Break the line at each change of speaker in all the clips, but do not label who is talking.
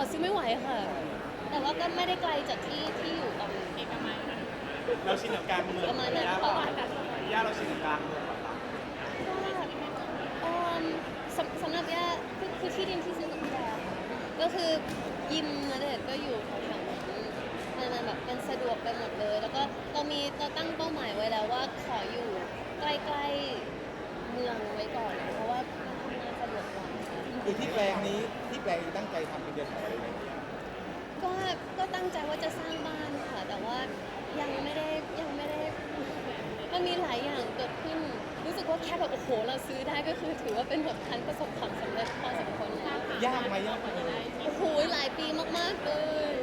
ซื้อไม่ไหวค่ะแต่ว่าก็ไม่ได้ไกลจากที่อยู่ตอนนี้ประมาณ
เราชินกับการเมือง
ประมาณนั้น
ย่า
ค่ะ
ย่าเราชินกับการเมืองเหรอครับ
ก็สำหรับย่าคือที่ดินที่ซื้อกับพี่แดค่ะก็คือยิมณเดชน์ก็อยู่แถวๆนั้นมันแบบเป็นสะดวกไปหมดเลย แล้วก็เราตั้งเป้าหมายไว้แล้วว่าขออยู่ใกล้ๆเมืองไว้ก่อนเพราะว่ามันทำงานสะดวกกว่าค่ะ
คือที่แปลงนี้ที่แปลงตั้งใจทำเป็นเดือนไหนอะไรอย่างเงี้ย
ก็ตั้งใจว่าจะสร้างบ้านค่ะ แต่ว่ายังไม่ได้มันมีหลายอย่างเกิดขึ้น รู้สึกว่าแค่แบบโอ้โหเราซื้อได้ก็คือถือว่าเป็นแบบการประสบความสำเร็จพอสมควรแล้ว
ยากไหมยากไหม
โอ้โหหลายปีมากๆเลย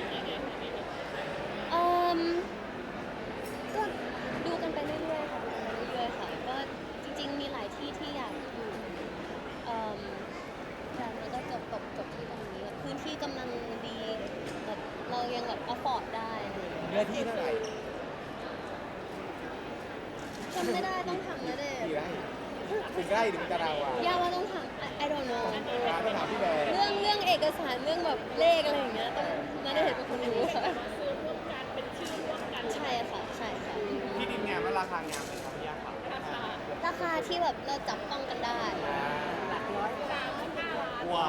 เอิ่มก็ดูกันไปเรื่อยๆค่ะดูกันไปเรื่อยๆค่ะก็จริงๆมีหลายที่ที่อยากอยู่แต่มันก็จบที่ตรงนี้พื้นที่กำลังดีแบบเรายังแบบ afford ได้อะไรอย่างเงี้ย
เนื้อที่เท่าไหร่
จำไม่ได้ต้องถามนะเด็
กี่ไร่ถึงไร่หรือเป็นตารางวา
ย่าว่าต้องถาม I don't know
ต้องถามพี่แบร์
เรื่องเอกสารเรื่องแบบเลขอะไรอย่างเงี้ยต้องน่าจะเห็นเป็นคนรู้ค่ะใช่ค่ะใช่ค่ะ
ที่ดินงามและราคางามไหมครับย่าครับ
ราคาที่แบบเราจับต้องกันได้
ว้าว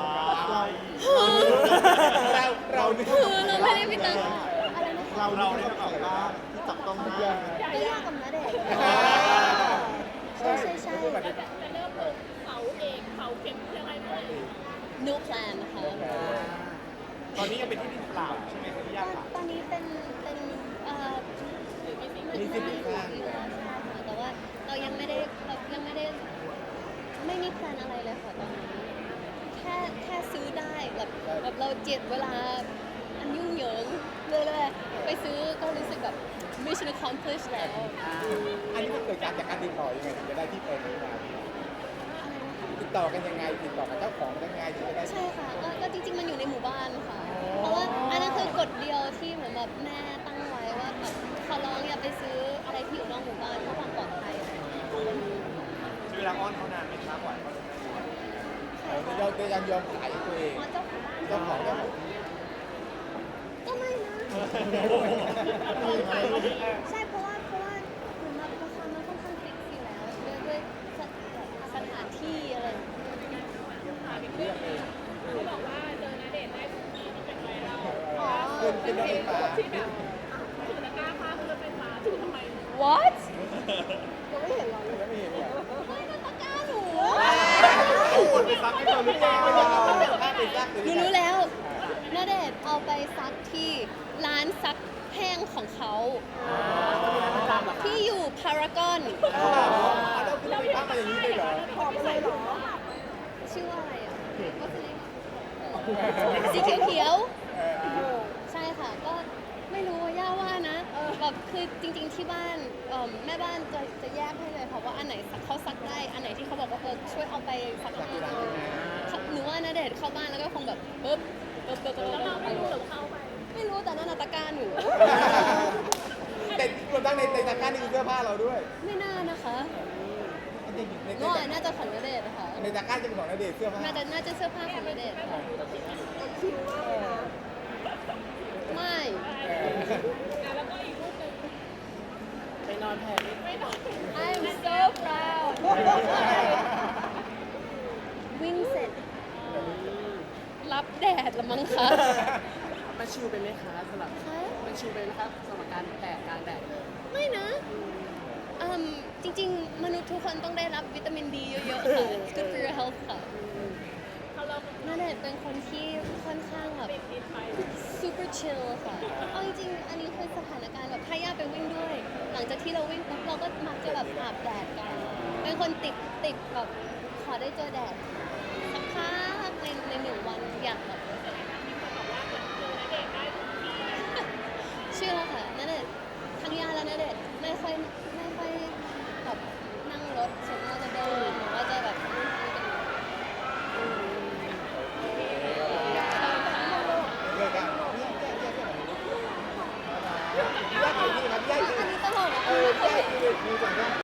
เราเนี่ย
คือเราไม่ได้ไปตั้งอะไรนะคะ
เราได้ประกอบบ้านที่จับต้องได้
ไม่ยากกับนะเด็กใช่ใช่
จะเริ่มลงเสาเองเสาเข็มอะไรเลย
no plan นะคะ
ตอนนี้ยังเป็นที่ดินเปล่าใช่ไหมครับย่าครับ
ตอนนี้เป็น
มีสิบปีข้าง
ใช่ค่ะแต่ว่าเรายังไม่ได้ไม่มีแพลนอะไรเลยค่ะตอนนี้แค่ซื้อได้แบบเราเจ็ดเวลาอันยุ่งเหยิงเลยไปซื้อก็รู้สึกแบบ mission accomplished แล้ว
อันนี้มันเกิดจากการติดต่อยังไงถึงจะได้ที่แปลงนี้มา
อะไรนะคะ
ติดต่อกันยังไงติดต่อกับเจ้าของยังไงถึงจะได้
ใช่ค่ะก็จริงๆมันอยู่ในหมู่บ้านค่ะ เพราะว่าอันนั้นคือกฎเดียวที่เหมือนแบบแม่ตั้งไว้ว่าแบบขอร้องอย่าไปซื้ออะไรที่อยู่นอกหมู่บ้านเพื่อความปลอดภัย
ใช้เวลาอ้อนเขานานไหมครับกว่าเขาจะได้
เราจะยังยอมขายตัวเอง
อ๋อเจ้าของบ้าน
เจ้าของเจ้าของ
ก็ไม่นะ ใช่เพราะว่าเหมือนแบบราคามันค่อนข้างฟิกซ์อยู่แล้วด้วยสถานที่อะไรอย่างเงี้ย
เขาบอกว่าเจอณเดชน์ได้ทุกที่ที่เป็นไวรัล
อ๋อ
เป็นรถไฟฟ้า
ที่แบบถือตะกร้าผ้าคือรถไฟฟ้าถือทำไม
what
ยังไม่เห็นเลย
ไม่ได้ตะกร้าหนู
เอาคนไปซักให้เราหรือเปล่า
หนูรู้แล้วณเดชน์เอาไปซักที่ร้านซักแห้งของเขาที่อยู่พารากอน
เราไปพักมาอย่างนี้เลยเหรอ
ชื่อว่าอะไรอ่ะสีเขียวๆใช่ค่ะก็ไม่รู้ว่าย่าว่านะแบบคือจริงๆที่บ้านแม่บ้านจะแยกให้เลยค่ะว่าอันไหนเขาซักได้อันไหนที่เขาบอกว่าช่วยเอาไปซักให้หนูว่าณเดชน์เข้าบ้านแล้วก็คงแบบปึ๊บแล้วเราไม่รู้หรือเข้าไปไม่รู้แต่นั่นตะกร้าหนู
แต่รวมทั้งในตะกร้านี่คือเสื้อผ้าเราด้วย
ไม่น่านะคะ
ใน
ก็น่าจะของณเดชน์นะคะ
ตะกร้าจะเป็นของณเดชน์เสื้อผ้า
น่าจะเสื้อผ้าของณเดชน์ค่ะไม่
แล้วก็อีกรูปหนึ่ง
ไปนอนแผ่ไม่นอน
I'm so proud วิ่งเสร็จ รับแดดละมั้งคะ
มันชิวไปไหมคะสำหรับ
คะ
มันชิวไปไหมครับสำหรับการแตกกลางแดดเลย
ไม่นะจริงๆ มนุษย์ทุกคนต้องได้รับวิตามินดีเยอะๆ ค่ะ It's good for your health ค่ะ
เขาเรา
นาเดชน์เป็นคนที่ค่อนข้างแบบ
ติดไป
super chill ค่ะ เอาจริงๆ อันนี้คือสถานการณ์แบบถ้าย่าไปวิ่งด้วย หลังจากที่เราวิ่งปุ๊บเราก็มักจะแบบอาบแดดกัน เป็นคนติดแบบขอได้เจอแดดสักพักในหนึ่งวันอยากแบบ
มีคนบอกว่าเหมือนเจอณเดชน์ได้ทุกที่
เชื่อค่ะนาเดชน์ทั้งย่าและนาเดชน์ไม่ค่อยแบบนั่งรถส่วนมากจะเดินหรือว่าจะแบบ
เลยกันแยกที่ครับแยกที่
อันนี้ตลกอ่ะ
แยกที่มือจัง